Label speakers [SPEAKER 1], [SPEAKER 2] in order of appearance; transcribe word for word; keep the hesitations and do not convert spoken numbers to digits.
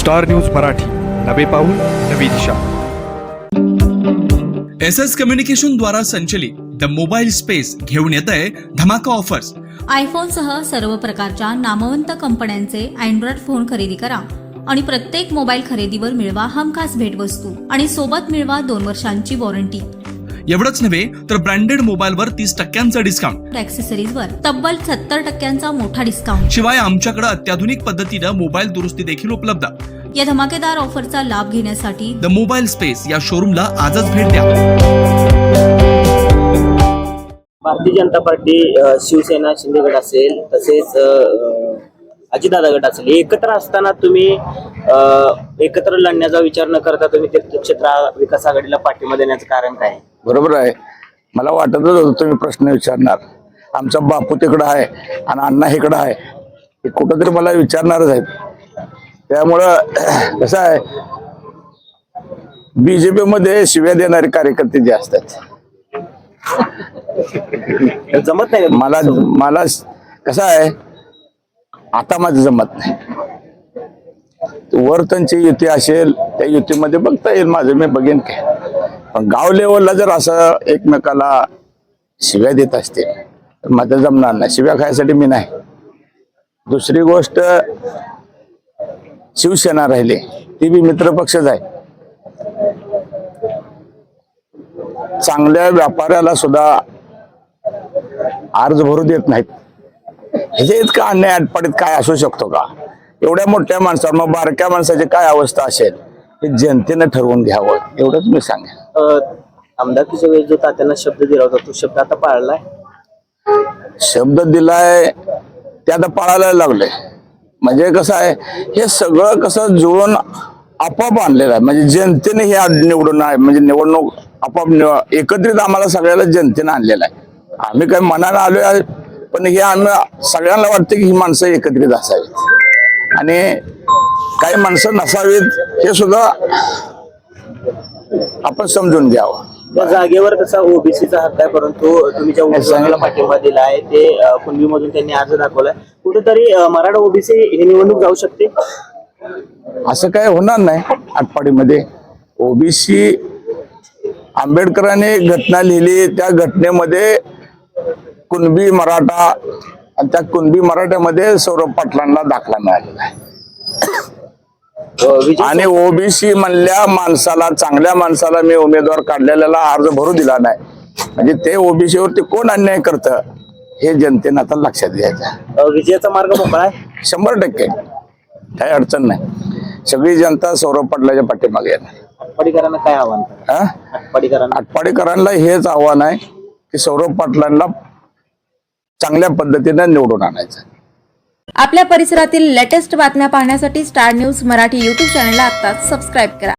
[SPEAKER 1] Star news Marathi, नवे पाऊल नवी दिशा।
[SPEAKER 2] एस एस कम्युनिकेशन द्वारा संचलित द मोबाईल स्पेस घेऊन येत आहे धमाका ऑफर्स।
[SPEAKER 3] आयफोन सह सर्व प्रकारच्या नामवंत कंपन्यांचे अँड्रॉइड फोन खरेदी करा आणि प्रत्येक मोबाईल खरेदीवर मिळवा हमखास भेटवस्तू आणि सोबत मिळवा दोन वर्षांची वॉरंटी।
[SPEAKER 2] एवढंच नव्हे तर ब्रँडेड मोबाईलवर तीस टक्क्यांचा डिस्काउंट,
[SPEAKER 3] ॲक्सेसरीजवर तब्बल सत्तर टक्क्यांचा मोठा डिस्काउंट।
[SPEAKER 2] शिवाय आमच्याकडे अत्याधुनिक पद्धतीने मोबाईल दुरुस्ती देखील उपलब्ध।
[SPEAKER 3] या धमाकेदार ऑफरचा लाभ घेण्यासाठी
[SPEAKER 2] द मोबाईल स्पेस या शोरूमला आजच भेट द्या।
[SPEAKER 4] भारतीय जनता पार्टी, शिवसेना, शिंदे गट असेल, तसेच अजितदादा गट असेल, एकत्र असताना तुम्ही एकत्र लढण्याचा विचार न करता तुम्ही तीर्थक्षेत्र विकास आघाडीला पाठिंबा देण्याचं कारण काय?
[SPEAKER 5] बरोबर आहे, मला वाटतच होतं तुम्ही प्रश्न विचारणार। आमचा बापू तिकडं आहे आणि अण्णा इकडं आहे, हे कुठंतरी मला विचारणारच आहेत। त्यामुळं कसं आहे, बीजेपी मध्ये शिव्या देणारे कार्यकर्ते जे असतात
[SPEAKER 4] जमत नाही
[SPEAKER 5] मला मला कसं आहे, आता माझं जमत नाही। वर त्यांची युती असेल, त्या युतीमध्ये बघता येईल, माझं मी बघेन काय। पण गाव लेवलला जर असं एकमेकाला शिव्या देत असतील तर माझं जमणार नाही, शिव्या खायसाठी मी नाही। दुसरी गोष्ट, शिवसेना राहिली ती बी मित्र पक्षच आहे। चांगल्या व्यापाऱ्याला सुद्धा अर्ज भरू देत नाहीत। ह्याच्या इतका अन्याय अटपाडीत काय असू शकतो का? एवढ्या मोठ्या माणसावर मग बारक्या माणसाची काय अवस्था असेल हे जनतेने ठरवून घ्यावं, एवढंच मी सांगेन।
[SPEAKER 4] आमदारकीच्या वेळेस जो तात्यांना शब्द दिला होता, तो शब्द आता पाळलाय?
[SPEAKER 5] शब्द दिलाय ते आता पाळायला लागले। म्हणजे कसं आहे, हे सगळं कसं जुळून आपोआप आणलेलं आहे। म्हणजे जनतेने हे निवडून आहे, म्हणजे निवडणूक आपोआप एकत्रित आम्हाला सगळ्याला जनतेने आणलेलं आहे। आम्ही काही मनानं आलोय, पण हे आम्ही सगळ्यांना वाटतं की ही माणसं एकत्रित असावीत आणि काही माणसं नसावीत, हे सुद्धा आपण समजून घ्यावं।
[SPEAKER 4] त्या जागेवर कसा ओबीसीचा हक्क आहे, परंतु तुम्ही ज्या उमेदवाराला पाठिंबा दिला आहे ते कुणबी मधून त्यांनी अर्ज दाखवलाय, कुठेतरी मराठा ओबीसी हे निवडणूक जाऊ शकते?
[SPEAKER 5] असं काय होणार नाही। आटपाडीमध्ये ओबीसी आंबेडकरांनी घटना लिहिली, त्या घटनेमध्ये कुणबी मराठा आणि त्या कुणबी मराठ्यामध्ये सौरभ पाटलांना दाखला मिळालेला आहे। आणि ओबीसी म्हणल्या माणसाला, चांगल्या माणसाला मी उमेदवार काढलेला अर्ज भरू दिला नाही, म्हणजे ते ओबीसीवरती कोण अन्याय करतं हे जनतेनं आता लक्षात घ्यायचं।
[SPEAKER 4] विजयाचा मार्ग मोकळा आहे
[SPEAKER 5] शंभर टक्के, काही अडचण नाही। सगळी जनता सौरभ पाटलाच्या पाठीमागे आहे।
[SPEAKER 4] आटपाडीकरांना काय आव्हान? आटपाडीकरांना
[SPEAKER 5] आटपाडीकरांना हेच आव्हान आहे की सौरभ पाटलांना चांगल्या पद्धतीने निवडून आणायचं।
[SPEAKER 6] आपल्या परिसरातील लेटेस्ट बातम्या पाहण्यासाठी स्टार न्यूज मराठी यूट्यूब चॅनलला आत्ताच सबस्क्राईब करा।